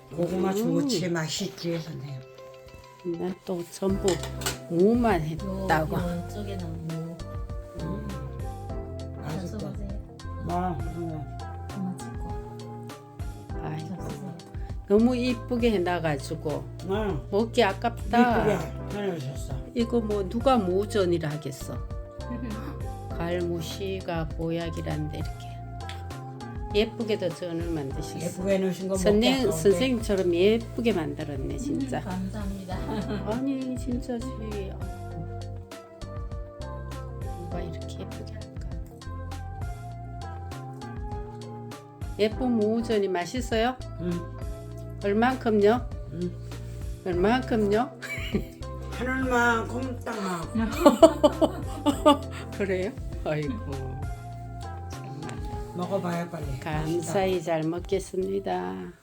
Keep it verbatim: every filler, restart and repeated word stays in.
고구마 음. 좋지 맛있지 선생님. 난 또 전부 무만 요, 했다고. 요 쪽에는 뭐 음. 맛있다. 잡숴보세요. 뭐 음. 고마 찍고 아이고, 잡수세요. 너무 이쁘게 해놔가지고 응. 먹기 아깝다. 이쁘게 해놓으셨어. 이거 뭐 누가 모전이라 하겠어. 갈무시가 보약이란데 이렇게 예쁘게도 전을 만드셨어. 예쁘게 해놓으신 거 먹기 선생 아까운데. 선생님처럼 예쁘게 만들었네 진짜. 감사합니다. 아니 진짜지. 누가 이렇게 예쁘게 할까? 예쁜 무전이 맛있어요? 응. 얼만큼요? 응. 얼만큼요? 하늘만큼 땅. 그래요? 아이고 정말 먹어봐요 빨리. 감사히 잘 먹겠습니다.